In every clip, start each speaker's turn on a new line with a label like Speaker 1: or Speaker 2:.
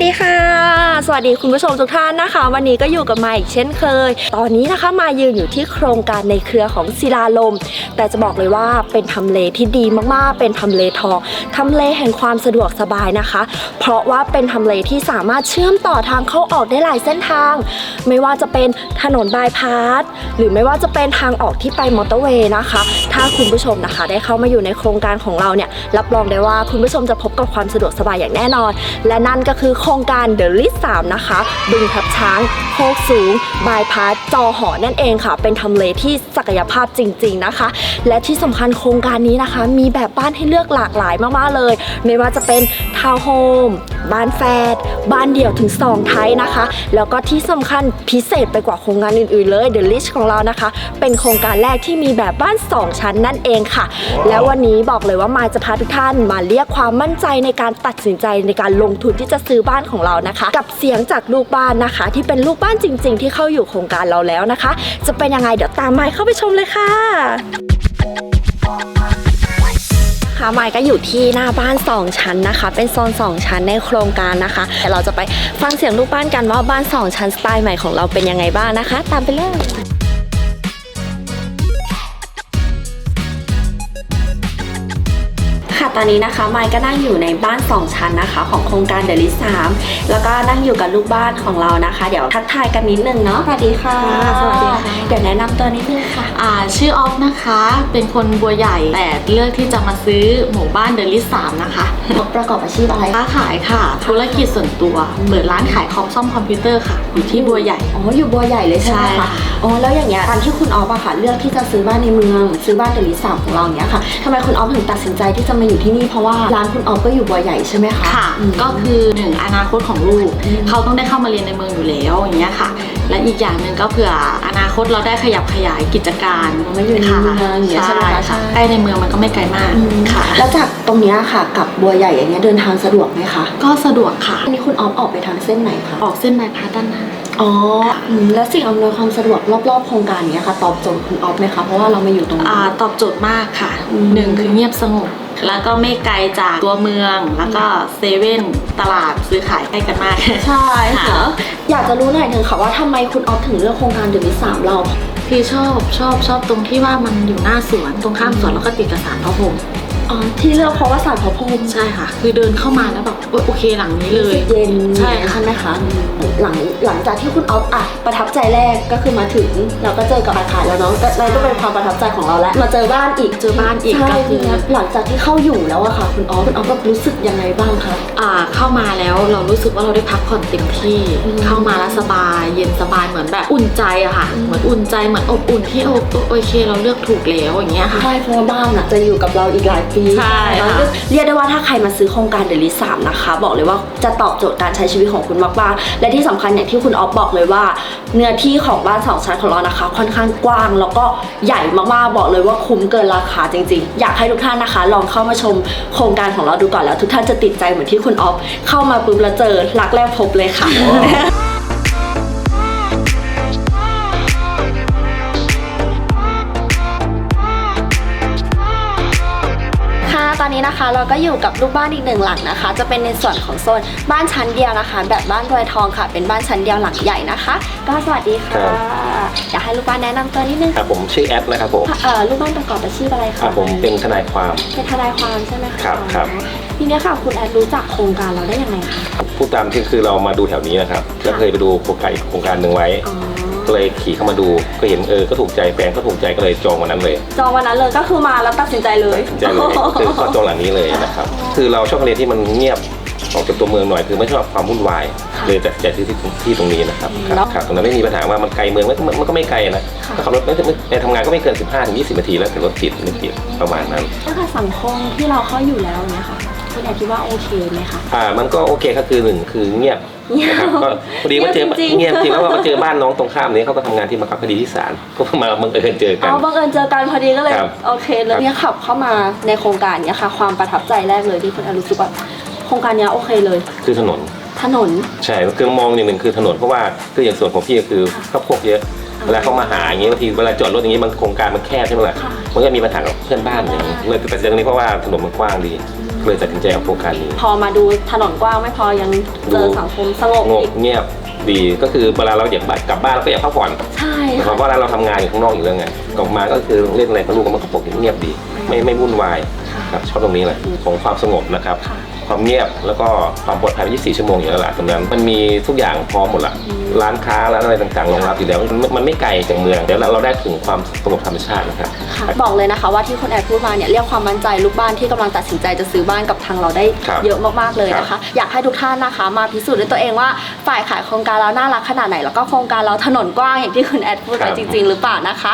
Speaker 1: ดีค่ะสวัสดีคุณผู้ชมทุกท่านนะคะวันนี้ก็อยู่กับมาอีกเช่นเคยตอนนี้นะคะมายืนอยู่ที่โครงการในเครือของศิลาลมแต่จะบอกเลยว่าเป็นทำเลที่ดีมากๆเป็นทำเลทองทำเลแห่งความสะดวกสบายนะคะเพราะว่าเป็นทำเลที่สามารถเชื่อมต่อทางเข้าออกได้หลายเส้นทางไม่ว่าจะเป็นถนนบายพาสหรือไม่ว่าจะเป็นทางออกที่ไปมอเตอร์เวย์นะคะถ้าคุณผู้ชมนะคะได้เข้ามาอยู่ในโครงการของเราเนี่ยรับรองได้ว่าคุณผู้ชมจะพบกับความสะดวกสบายอย่างแน่นอนและนั่นก็คือโครงการเดอะลิส3นะคะบึงทับช้างโคกสูงบายพาสจอหอนั่นเองค่ะเป็นทำเลที่ศักยภาพจริงๆนะคะและที่สำคัญโครงการนี้นะคะมีแบบบ้านให้เลือกหลากหลายมากๆเลยไม่ว่าจะเป็นทาวน์โฮมบ้านแฝดบ้านเดี่ยวถึง2ไทยนะคะแล้วก็ที่สำคัญพิเศษไปกว่าโครงการอื่นๆเลยเดอะลิสของเรานะคะเป็นโครงการแรกที่มีแบบบ้าน2ชั้นนั่นเองค่ะแล้ววันนี้บอกเลยว่ามายจะพาทุกท่านมาเรียกความมั่นใจในการตัดสินใจในการลงทุนที่จะซื้อบ้านของเรานะคะกับเสียงจากลูกบ้านนะคะที่เป็นลูกบ้านจริงๆที่เข้าอยู่โครงการเราแล้วนะคะจะเป็นยังไงเดี๋ยวตามมายเข้าไปชมเลยค่ะค่ะมายก็อยู่ที่หน้าบ้าน2ชั้นนะคะเป็นโซน2ชั้นในโครงการนะคะแต่เราจะไปฟังเสียงลูกบ้านกันว่าบ้าน2ชั้นสไตล์ใหม่ของเราเป็นยังไงบ้างนะคะตามไปเลยค่ะตอนนี้นะคะมายก็นั่งอยู่ในบ้าน2ชั้นนะคะของโครงการเดลิส3แล้วก็นั่งอยู่กับลูกบ้านของเรานะคะเดี๋ยวทักทายกันนิดนึงเนาะสวัสดีค่ะ
Speaker 2: สวัสดีค่ะ
Speaker 1: เดี๋ยวแนะนำตัวนิดนึงค่ะ
Speaker 2: ชื่อออฟนะคะเป็นคนบัวใหญ่แต่เลือกที่จะมาซื้อหมู่บ้านเดลิส3นะคะ
Speaker 1: ประกอบอาชีพอะไร
Speaker 2: ค้าขายค่ะธุรกิจส่วนตัวเปิดร้านขายคอมซ่อมคอมพิวเตอร์ค่ะอยู่ที่บัวใหญ่
Speaker 1: อ๋ออยู่บัวใหญ่เลยใช่ไหมคะอ๋อแล้วอย่างเงี้ยตอนที่คุณออฟอะค่ะเลือกที่จะซื้อบ้านในเมืองซื้อบ้านเดลิส3ของเราเนี้ยค่ะทำไมคุณออฟถึงตัดสินใจที่จะมาอยู่ที่นี่เพราะว่าร้านคุณออฟก็อยู่บัวใหญ่ใช่ไหมคะ
Speaker 2: ค่ะก็คือ1อนาคตของลูกเขาต้องได้เข้ามาเรียนในเมืองอยู่แล้วอย่างเงี้ยค่ะและอีกอย่างหนึ่งก็เผื่ออนาคตเราได้ขยับขยายกิจการ
Speaker 1: ไม่อยู่ในเมืองอย่างเงี้ยใช่ไหมคะ
Speaker 2: ใกล้ในเมืองมันก็ไม่ไกลมากค่ะ
Speaker 1: แล้วจากตรงนี้ค่ะกับบัวใหญ่อย่างเงี้ยเดินทางสะดวกไหมคะ
Speaker 2: ก็สะดวกค่ะ
Speaker 1: อันนี้คุณออฟออกไปทางเส้นไหนคะ
Speaker 2: ออกเส้นบายพาสด้านหน้า
Speaker 1: อ๋อแล้วสิ่งอำนวยความสะดวกรอบๆโครงการนี้ค่ะตอบโจทย์คุณออฟไหมคะเพราะว่าเรามาอยู่ตรงนี้
Speaker 2: ตอบโจทย์มากค่ะ1คือเงียบสงบแล้วก็ไม่ไกลจากตัวเมืองแล้วก็เซเว่นตลาดซื้อขายใกล้กันมาก
Speaker 1: ใช่ค่ะอยากจะรู้หน่อยนึงค่ะว่าทำไมคุณออฟถึงเลือกโครงการเดลิส3เรา
Speaker 2: พี่ชอบตรงที่ว่ามันอยู่หน้าสวนตรงข้ามสวนแล้วก็ติดกับศาลพระพรหม
Speaker 1: อ๋อที่เลือกเพราะว่าศาลพระพรหม
Speaker 2: ใช่ค่ะคือเดินเข้ามาแล้วแบบโอเคหลังนี้เลย
Speaker 1: เย็น
Speaker 2: ใช่
Speaker 1: ไหมคะหลังจากที่คุณออฟประทับใจแรกก็คือมาถึงเราก็เจอกับอาคารแล้วเนาะนั่นก็เป็นความประทับใจของเราแล้วมาเจอบ้านอีกก็คือหลังจากที่เข้าอยู่แล้วอะค่ะคุณออฟก็รู้สึกยังไงบ้างคะ
Speaker 2: เข้ามาแล้วเรารู้สึกว่าเราได้พักผ่อนเต็มที่เข้ามาแล้วสบายเย็นสบายเหมือนแบบอุ่นใจอะค่ะเหมือนอุ่นใจเหมือนอบอุ่นที่โอเคเราเลือกถูกแล้วอย่างเงี้ยค่ะ
Speaker 1: ใช่เพราะว่าบ้านจะอยู่กับเราอีกหลาย
Speaker 2: ใช่
Speaker 1: เรียกได้ว่าถ้าใครมาซื้อโครงการเดลิส3นะคะบอกเลยว่าจะตอบโจทย์การใช้ชีวิตของคุณมากๆและที่สำคัญอย่างที่คุณออฟบอกเลยว่าเนื้อที่ของบ้าน2ชั้นของเรานะคะค่อนข้างกว้างแล้วก็ใหญ่มากๆบอกเลยว่าคุ้มเกินราคาจริงๆอยากให้ทุกท่านนะคะลองเข้ามาชมโครงการของเราดูก่อนแล้วทุกท่านจะติดใจเหมือนที่คุณออฟเข้ามาปุ๊บแล้วเจอรักแรกพบเลยค่ะตอนนี้นะคะเราก็อยู่กับลูกบ้านอีก1หลังนะคะจะเป็นในส่วนของโซนบ้านชั้นเดียวนะคะแบบบ้านรวยทองค่ะเป็นบ้านชั้นเดียวหลังใหญ่นะคะก็สวัสดีค่ะอยากให้ลูกบ้านแนะนำตัวนิดนึง
Speaker 3: ครับผมชื่อแอดนะครับผม
Speaker 1: ลูกบ้านประกอบอาชีพอะไรคะ
Speaker 3: ผมเป็นทนายความ
Speaker 1: ใช่ไหมคะ
Speaker 3: ครับ
Speaker 1: ทีนี้ค่ะคุณแอดรู้จักโครงการเราได้ยังไงคะ
Speaker 3: พูดตามที่คือเรามาดูแถวนี้นะครับก็เคยไปดูโครงการหนึ่งไว้ก็เลยขี่เข้ามาดูก็เห็นก็ถูกใจแฟนก็ถูกใจก็เลยจองวันนั้นเลย
Speaker 1: ก็คือมาแล้วตัดสินใจเลย
Speaker 3: คือขอจองหลังนี้เลยนะครับคือเราชอบทะเลที่มันเงียบออกจากตัวเมืองหน่อยคือไม่ชอบความวุ่นวายเลยแต่จะซื้อที่ตรงนี้นะครับตรงนั้นไม่มีปัญหาว่ามันไกลเมืองมันก็ไม่ไกลนะขับรถในทำงานก็ไม่เกิน 15-20 นาทีแล้วแต่รถติดไม่ติดประมาณนั้น
Speaker 1: ถ้าค่ะสังคมที่เราเข้าอยู่แล้วเนี่ยค่ะคุณแอดคิดว่าโอเคไหมคะ
Speaker 3: มันก็โอเคก็คือ1คือเงียบนะครับก็พอดีว่าเจอเงียบจริงแล้วว่ามาเจอบ้านน้องตรงข้ามนี้เขาก็ทำงานที่บังคับคดีที่ศาลก็มาบังเอิญเจอกัน
Speaker 1: บังเอิญเจอกันพอดีก็เลยโอเคเลยเนี่ยขับเข้ามาในโครงการเนี้ยค่ะความประทับใจแรกเลยที่คุณแอดรู้สึกว่าโครงการนี้โอเคเลย
Speaker 3: คือถนน
Speaker 1: ใช่คือ
Speaker 3: มองหนึ่งคือถนนเพราะว่าคืออย่างส่วนของพี่ก็คือข้าวโพดเยอะเวลาเขามาหาอย่างนี้บางทีเวลาจอดรถอย่างนี้มันโครงการมันแคบใช่ไหมล่ะมันก็มีปัญหากับเพื่อนบ้านอย่างนี้เลยตัดสินใจตรงนี้เพราะว่าถนนมันกว้างดีเลยตัดสินใจเอาโครงการนี้
Speaker 1: พอมาดูถนนกว้างไม่พอยังเจอสังคมสงบอีก
Speaker 3: เงียบดีก็คือเวลาเราอยากกลับบ้านเราก็อยากพักผ่อน
Speaker 1: ใช่
Speaker 3: เพราะว่าเราทำงานอยู่ข้างนอกอยู่แล้วไงกลับมาก็คือเล่นอะไรกับลูกมันก็ปกติเงียบดีไม่วุ่นวายครับชอบตรงนี้แหละของความสงบนะครับความเงียบแล้วก็ความปลอดภัย24 ชั่วโมงอยู่แล้วล่ะตรงนั้นมันมีทุกอย่างพร้อมหมดละร้านค้าร้านอะไรต่างๆรองรับอยู่แล้วมันไม่ไกลจากเมืองเดี๋ยวเราได้ถึงความสงบธรรมชาตินะครับ
Speaker 1: บอกเลยนะคะว่าที่คุณแอดพูดมาเนี่ยเรียกความมั่นใจลูกบ้านที่กำลังตัดสินใจจะซื้อบ้านกับทางเราได้เยอะมากๆเลยนะคะอยากให้ทุกท่านนะคะมาพิสูจน์ด้วยตัวเองว่าฝ่ายขายโครงการเราน่ารักขนาดไหนแล้วก็โครงการเราถนนกว้างอย่างที่คุณแอดพูดไปจริงๆหรือเปล่านะคะ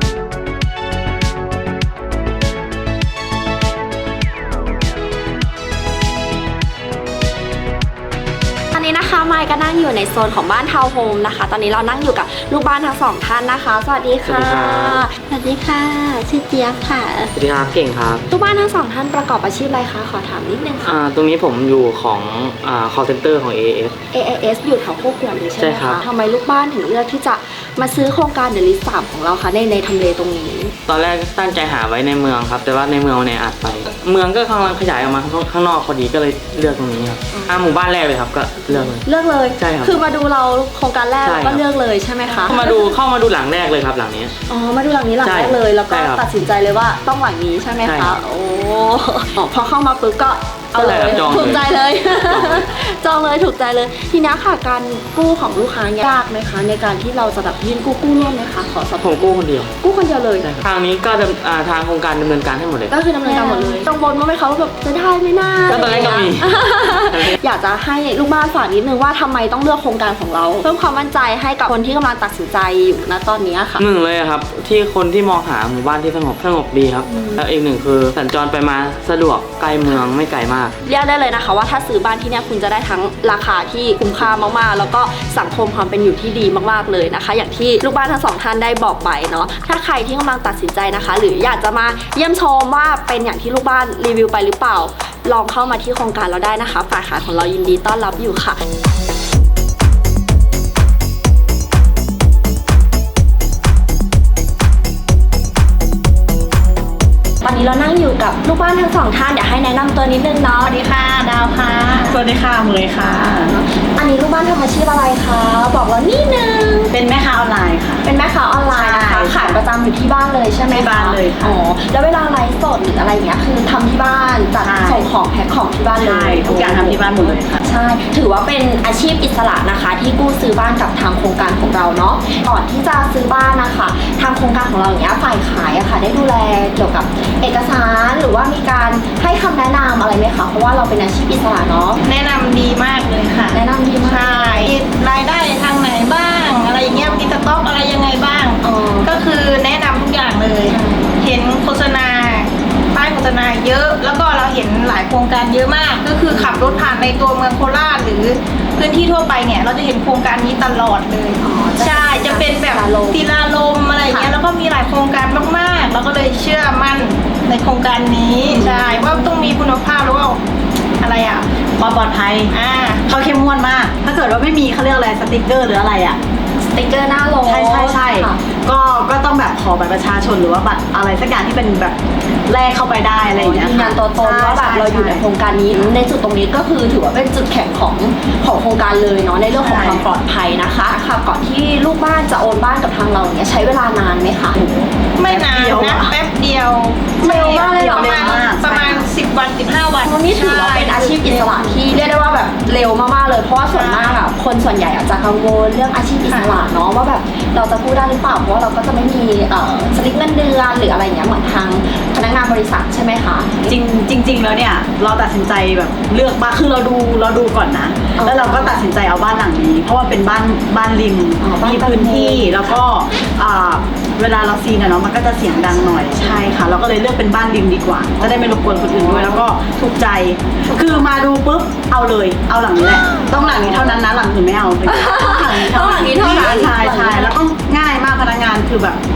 Speaker 1: ตอนนี้นะคะไมค์ก็นั่งอยู่ในโซนของบ้านทาวน์โฮมนะคะตอนนี้เรานั่งอยู่กับลูกบ้านทั้งสองท่านนะคะสวัสดีค่ะสวัสดีค่ะชื่อเจี๊ยบค่ะ
Speaker 4: สวัสดีครับเก่งครับ
Speaker 1: ลูกบ้านทั้งสองท่านประกอบอาชีพอะไรคะขอถามนิดนึงค่ะ
Speaker 4: ตรงนี้ผมอยู่ของcall center ของ AAS
Speaker 1: AIS อยู่แถวโคกขวดเลยใช่ไหม
Speaker 4: ใช่ครั
Speaker 1: คะ
Speaker 4: บ
Speaker 1: ทำไมลูกบ้านถึงเลือกที่จะมาซื้อโครงการเดลิส3ของเราคะในทำเลตรงนี้
Speaker 4: ตอนแรกตั้งใจหาไว้ในเมืองครับ แต่ว่าในเมืองมันแออัดไป เมืองก็กำลังขยายออกมาข้างนอกพอดีก็เลยเลือกตรงนี้ครับหมู่บ้านแรกเลยครับก็เลือกเลย
Speaker 1: เลือกเลย
Speaker 4: ใช่ครับ
Speaker 1: คือมาดูเราโครงการแรก
Speaker 4: ใช่
Speaker 1: แล้ว
Speaker 4: ครับ
Speaker 1: ก็เลือกเลยใช่ไหมคะ
Speaker 4: เข้ามาดูหลังแรกเลยครับหลังนี้
Speaker 1: อ๋อมาดูหลังนี้หลัง
Speaker 4: ใช่
Speaker 1: แรกเลยแล้วก็
Speaker 4: ใช่ครับ
Speaker 1: ตัดสินใจเลยว่าต้องหลังนี้ใช่ไหม
Speaker 4: ใช่
Speaker 1: คะ
Speaker 4: ครับ
Speaker 1: โอ้พอเข้ามาปุ๊บก็เอาเลย
Speaker 4: ใช่ครับจองเลย
Speaker 1: ถูกใจเลย
Speaker 4: จองเลย
Speaker 1: จองเลยถูกใจเลยทีนี้ค่ะการกู้ของลูกค้ายากไหมคะในการที่เราจะแบบยื่นกู้ร่วมไหมคะขอสอบ
Speaker 4: ผมกู้คนเดียว
Speaker 1: กู้คนเดียวเลย
Speaker 4: ใช่ครับทางนี้ก็ทางโครงการดำเนินการให้หมดเลย
Speaker 1: ก็คือดำเนินการหมดเลยกังวลว่าไหมคะว่าแบบจะได้ไหมน่า
Speaker 4: ก็ตอนแรกก็มี
Speaker 1: อยากจะให้ลูกบ้านฝากนิดนึงว่าทำไมต้องเลือกโครงการของเราเพิ่มความมั่นใจให้กับคนที่กำลังตัดสินใจอยู่ณตอนนี้ค่ะ
Speaker 4: หนึ่งเลยครับที่คนที่มองหาหมู่บ้านที่สงบดีครับแล้วอีกหนึ่งคือสัญจรไปมาสะดวกใกล้เมืองไม่ไกลมาก
Speaker 1: เรียกได้เลยนะคะว่าถ้าซื้อบ้านที่เนี่ยคุณจะได้ทั้งราคาที่คุ้มค่ามากๆ แล้วก็สังคมความเป็นอยู่ที่ดีมากๆเลยนะคะ อย่างที่ลูกบ้านทั้งสองท่านได้บอกไปเนาะถ้าใครที่กำลังตัดสินใจนะคะ หรืออยากจะมาเยี่ยมชมว่าเป็นอย่างที่ลูกบ้านรีวิวไปหรือเปล่าลองเข้ามาที่โครงการเราได้นะคะฝ่ายขายของเรายินดีต้อนรับอยู่ค่ะ ตอนนี้เรานั่งอยู่กับลูกบ้านทั้งสองท่านเดี๋ยวให้แนะนำตัวนิดนึงเนาะสวัสดีค่ะดาวค่ะ
Speaker 5: สวัสดีค่ะเมยค่ะ
Speaker 1: อันนี้ลูกบ้านทำอาชีพอะไรคะบอกเรานิดนึง
Speaker 5: เป็นแม่ค้าออนไลน์ค่ะ
Speaker 1: เป็นแม่ค้าออนไลน์นะคะ
Speaker 5: ใช่
Speaker 1: ขายประจำอยู่ที่บ้านเลยใช่ไหมคะ
Speaker 5: ที่บ้านเลยค่ะ
Speaker 1: อ๋อแล้วเวลาไลฟ์สดหรืออะไรอย่างเงี้ยคือทำที่บ้านจัด
Speaker 5: ใช่
Speaker 1: ส่งของแพ็คของที่บ้านเล
Speaker 5: ใช่
Speaker 1: ย
Speaker 5: ทุกอย่างทำที่บ้านหมดเลยค่ะ
Speaker 1: ใช่ถือว่าเป็นอาชีพอิสระนะคะ ที่กู้ซื้อบ้านกับทางโครงการของเราเนาะก่อนที่จะซื้อบ้านนะคะทางโครงการของเราอย่างเงี้ยฝ่ายขายอะค่ะได้ดูแลเกี่ยวกับเอกสารหรือว่ามีการให้คำแนะนำอะไรไหมคะเพราะว่าเราเป็นอาชีพอิสระเนาะ
Speaker 5: แนะนำดีมากเลยค่ะ
Speaker 1: แนะนำดีมาก
Speaker 5: ใช่รายได้ทางไหนบ้าง อะไรอย่างเงี้ยมีสต็อกอะไรยังไงบ้าง
Speaker 1: อ๋อ
Speaker 5: ก็คือแนะนำทุกอย่างเลย เห็นโฆษณาป้ายโฆษณาเยอะ แล้วก็เราเห็นหลายโครงการเยอะมาก ก็คือขับรถผ่านในตัวเมืองโคราชหรือพื้นที่ทั่วไปเนี่ย เราจะเห็นโครงการนี้ตลอดเลย ใช่ จะเป็นแบบศิลาลมอะไรอย่างเงี้ย แล้วก็มีหลายโครงการมากๆ เราก็เลยเชื่อมั่นในโครงการนี้ ใช่ ว่าต้องมีคุณภาพแล้วก็อะไรอ่ะ
Speaker 6: ความปลอดภัยเขาเข้มงวดมาก ถ้าเกิดว่าไม่มีเขาเรียกอะไรสติกเกอร์หรืออะไรอ่ะ
Speaker 1: สติ๊กเกอร์หน้าโล
Speaker 6: ใช่
Speaker 1: ค่ะ
Speaker 6: ก็ต้องแบบขอบัตรประชาชนหรือว่าบัตรอะไรสักอย่างที่เป็นแบบแลกเข้าไปได้อะไรอย่างเงี้ย
Speaker 1: ยืนยันตัวตนว่าแบบเราอยู่ในโครงการนี้ในจุดตรงนี้ก็คือถือว่าเป็นจุดแข็งของโครงการเลยเนาะในเรื่องของความปลอดภัยนะคะค่ะก่อนที่ลูกบ้านจะโอนบ้านกับทางเราเนี่ยใช้เวลานานไหมคะ
Speaker 5: ไม่นานนะแป๊บเดียว
Speaker 1: เร็วมากเลยเหรอ
Speaker 5: ประมาณ10 วัน 15 วัน
Speaker 1: นี่ถือว่าเป็นอาชีพอิสระที่เรียกได้ว่าแบบเร็วมากๆเลยเพราะว่าส่วนมากอะคนส่วนใหญ่อาจจะกังวลเรื่องอาชีพอิสระเนาะว่าแบบเราจะกู้ได้หรือเปล่าเพราะว่าเราก็จะไม่มีสลิปเงินเดือนหรืออะไรอย่างเงี้ยเหมือนทางพนักงานบริษัทใช่ไหมคะ
Speaker 6: จริงแล้วเนี่ยเราตัดสินใจแบบเลือกบ้านคือเราดูก่อนนะ
Speaker 1: อ๋อ
Speaker 6: แล้วเราก็ตัดสินใจเอาบ้านหลังนี้ เพราะว่าเป็นบ้านริม
Speaker 1: อ๋อบ้าน
Speaker 6: มีพื้นที่
Speaker 1: ริม
Speaker 6: แล้วก็เวลาเราซีนอะเนาะมันก็จะเสียงดังหน่อยใช่ค่ะ เราก็เลยเลือกเป็นบ้านริมดีกว่าจะได้ไม่รบกวนคนอื่นด้วยแล้วก็ถูกใจ คือมาดูปุ๊บเอาเลยเอาหลังนี้แหละต้องหลังนี้เท่านั้นนะหลังอื่นไม่เอา
Speaker 1: ต้องหลังนี้เท่านั้น
Speaker 6: ใช่แล้วก็ง่ายมากพนักงานคือแบบ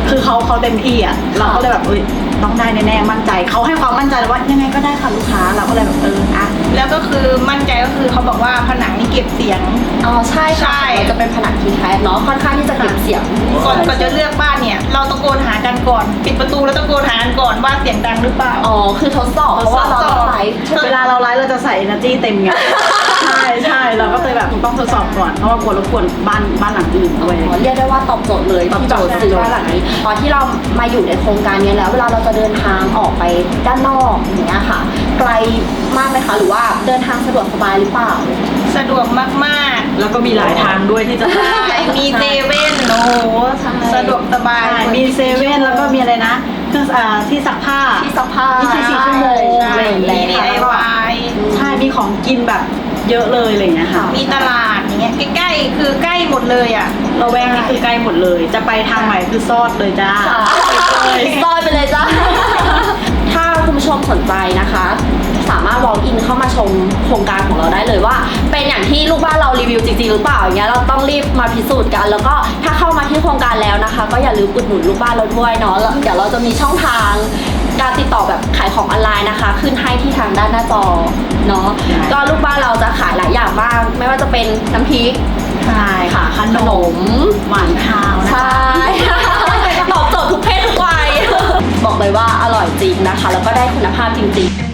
Speaker 6: คือเขาเต็มที่อ่ะเราก็เลยแบบต้องได้แน่ๆมั่นใจเขาให้ความมั่นใจเลยว่ายังไงก็ได้ค่ะลูกค้าเราก็เลยแบบอ่ะ
Speaker 5: แล้วก็คือมั่นใจก็คือเขาบอกว่าผนังนี่เก็บเสียง
Speaker 1: อ๋อใช่ค่ะ
Speaker 5: ใช่
Speaker 1: มันจะเป็นผนังทีแคสเนาะค่อนข้างที่จะเก็บเสียง
Speaker 5: ก่อนจะเลือกบ้านเนี่ย เราตะโกนหากันก่อน ปิดประตูแล้วตะโกนหากันก่อนว่าเสียงดังหรือเปล่า
Speaker 1: อ๋อคือทดสอบเพราะว่าเราต้องไลฟ์
Speaker 6: เวลาเราไลฟ์เราจะใส่ energy เต็มไง ใช่เราก็เลยแบบต้องทดสอบก่อนเพราะว่ากลัวรบกวนบ้านหลังอื่นด้วย
Speaker 1: เรียกได้ว่าตอบโจทย์เลยที่จะซื้อบ้านหลังนี้ตอนที่เรามาอยู่ในโครงการนี้แล้วเวลาเราจะเดินทางออกไปด้านนอกอย่างเงี้ยค่ะ ไกลมากไหมคะหรือว่าเดินทางสะดวกสบายหรือเปล่า
Speaker 5: สะดวกมาก
Speaker 6: แล้วก็มีหลายทางด้วยที่จะ
Speaker 5: ๆ ใช่ มีเซเว่นโอ้โหสะดวกสบาย
Speaker 6: มีเซเว่นแล้วก็มีอะไรนะเครื่องที่ซักผ้า
Speaker 1: ที่ซักผ้า
Speaker 6: 24 ชั่วโมง
Speaker 5: ใช่
Speaker 6: อะไรอย่าง
Speaker 5: มี
Speaker 6: เงี้ย
Speaker 5: DIY
Speaker 6: ใช่มีของกินแบบเยอะเลยอะไรอย่างเงี้ยค่ะ
Speaker 5: มีตลาดอย่างเงี้ยใกล้ๆคือใกล้หมดเลยอ่ะ
Speaker 6: เราแวกนี้คือใกล้หมดเลย จะไปทางไหนคือซอดเลยจ้า
Speaker 1: ซอยไปเลยจ้า ถ้าคุณผู้ชมสนใจนะคะ สามารถ walk in เข้ามาชมโครงการของเราได้เลยว่า เป็นอย่างที่ลูกบ้านเรารีวิวจริงๆหรือเปล่าอย่างเงี้ยเราต้องรีบมาพิสูจน์กัน แล้วก็ถ้าเข้ามาที่โครงการแล้วนะคะ ก็อย่าลืมอุดหนุนลูกบ้านเราด้วยเนาะเดี๋ยวเราจะมีช่องทางการติดต่อแบบขายของออนไลน์นะคะ ขึ้นให้ที่ทางด้านหน้าจอเนาะก็ลูกบ้านเราจะขายหลายอย่างมากไม่ว่าจะเป็นน้ำพริก
Speaker 6: ใช่ค่ะขนมหวานข้าวนะ
Speaker 1: ใช่ ตอบโจทย์ทุกเพศทุกวัย บอกเลยว่าอร่อยจริงนะคะ แล้วก็ได้คุณภาพจริงๆ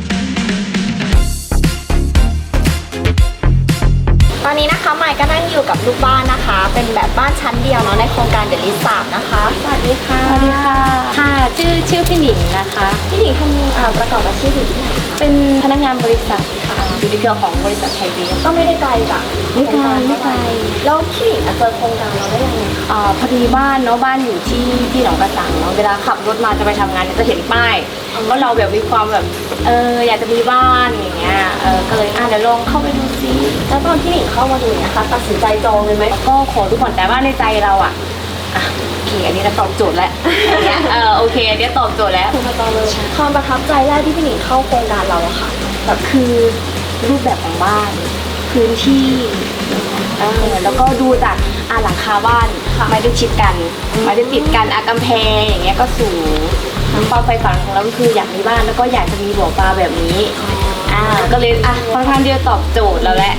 Speaker 1: ตอนนี้นะคะใหม่ก็นั่งอยู่กับลูกบ้านนะคะ เป็นแบบบ้านชั้นเดียวเนาะในโครงการเดลิสามนะคะ สวัสดีค่ะ
Speaker 7: สวัสดีค่ะ ค่ะ ชื่อพี่หนิงนะคะ
Speaker 1: พี่หนิงทำประกอบอาชีพอยู่ที่ไหนคะ
Speaker 7: เป็นพนักงานบริษัทค่ะ อยู่ในเครือของบริษัทไทยเวฟ
Speaker 1: ก็ไม่ได้ไกลจาก
Speaker 7: ไม่ไกลไม่ไกล
Speaker 1: แล้วพี่หนิงเจอโครงการเราได้ยังไงคะ
Speaker 7: พอดีบ้านเนาะบ้านอยู่ที่หนองกระสังเนาะเวลาขับรถมาจะไปทำงานเนี่ยจะเห็นป้ายว่าเราแบบมีความแบบอยากจะมีบ้านอย่างเงี้ยก็เลยเดี๋ยวลองเข้าไปดูซิ
Speaker 1: แล้วตอนที่หนิงเข้ามาดูเนี่ยนะคะตัดสินใจจองเลยไหม
Speaker 7: ก็ขอดูก่อนแต่ว่าในใจเราโอเคอันนี้เราตอบโจทย์แล้วอย่างเงี้ยโอเคอันนี้ตอบโจทย์แล้ว
Speaker 1: คุณมาจองเลยความประทับใจแรกที่พี่หนิงเข้าโครงการเราอะค่ะ
Speaker 7: แบบคือรูปแบบของบ้านพื้นที่แล้วก็ดูจากหลังคาบ้านไม่ได้ชิดกันไม่ได้ติดกันกำแพงอย่างเงี้ยก็สูงความใฝ่ฝันของเราก็คืออยากมีบ้านแล้วก็อยากจะมีบ่อปลาแบบนี้ก็เลยค่อนข้างที่จะตอบโจทย์แล้วแหละ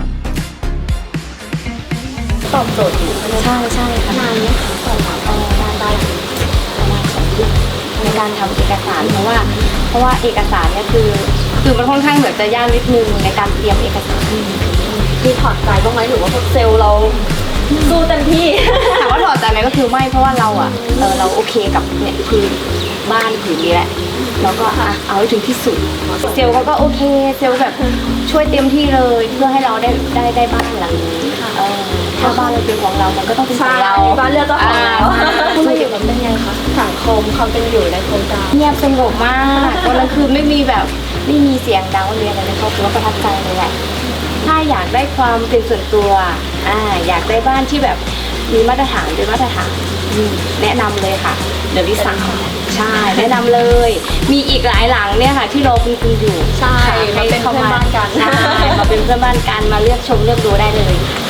Speaker 1: ตอบโจทย์อยู่
Speaker 7: ใช่ค่ะ
Speaker 1: นานไหมคะก่อนเราได้
Speaker 7: ประมาณ2 เดือนในการทำเอกสารเพราะว่าเอกสารเนี่ยคือมันค่อนข้างเหมือนจะยากนิดนึงในการเตรียมเอกสาร
Speaker 1: มีถอดใจบ้างไหมหรือว่าพวกเซลล์เราสู้เต็มที่
Speaker 7: ถามว่าถอดใจไหมก็คือไม่เพราะว่าเราเราโอเคกับเนี่ยคือบ้านผืนนี้แหละเราก็เอาให้ถึงที่สุดเซลล์เขาก็โอเคเซลล์แบบช่วยเต็มที่เลยเพื่อให้เราได้บ้านหลังนี้ถ้าบ้านเราเป็นของเรามันก็ต้องเป็นของเรา
Speaker 1: บ้านเลือกเจ้าของแล้วคุณมาอยู่แบบเป็นไงคะสังคมความเป็นอยู่ในโครงการ
Speaker 7: เงียบสงบมากวันนั้นคือไม่มีเสียงดังอะไรในครอบครัวประทับใจเลยแหละถ้าอยากได้ความเป็นส่วนตัวอยากได้บ้านที่แบบมีมาตรฐานเป็นมาตรฐานแนะนำเลยค่ะเดี๋ยวดิสั่งใช่แนะนำเลย มีอีกหลายหลังเนี่ยค่ะที่รอคุณอยู่
Speaker 1: ใช่
Speaker 7: ค่ะ
Speaker 1: มาเป็นเพื่อนบ้านกัน
Speaker 7: ใช่มาเป็นเพื่อนบ้านกันมาเลือกชมเลือกดูได้เลย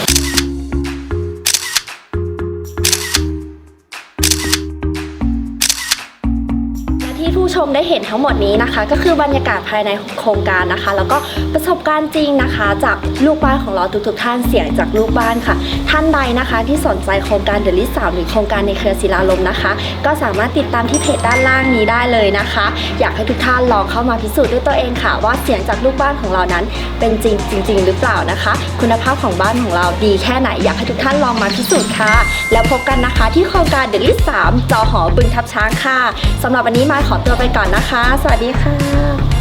Speaker 1: ที่ผู้ชมได้เห็นทั้งหมดนี้นะคะ ก็คือบรรยากาศภายในโครงการนะคะ แล้วก็ประสบการณ์จริงนะคะ จากลูกบ้านของเราทุกๆท่านเสียงจากลูกบ้านค่ะ ท่านใดนะคะที่สนใจโครงการเดลิส3หรือโครงการในเครือศิลาลมนะคะ ก็สามารถติดตามที่เพจด้านล่างนี้ได้เลยนะคะ อยากให้ทุกท่านลองเข้ามาพิสูจน์ด้วยตัวเองค่ะ ว่าเสียงจากลูกบ้านของเรานั้นเป็นจริงหรือเปล่านะคะ คุณภาพของบ้านของเราดีแค่ไหนอยากให้ทุกท่านลองมาพิสูจน์ค่ะ แล้วพบกันนะคะที่โครงการเดลิส3จอหอบึงทับช้างค่ะสำหรับวันนี้มาขอตัวไปก่อนนะคะ สวัสดีค่ะ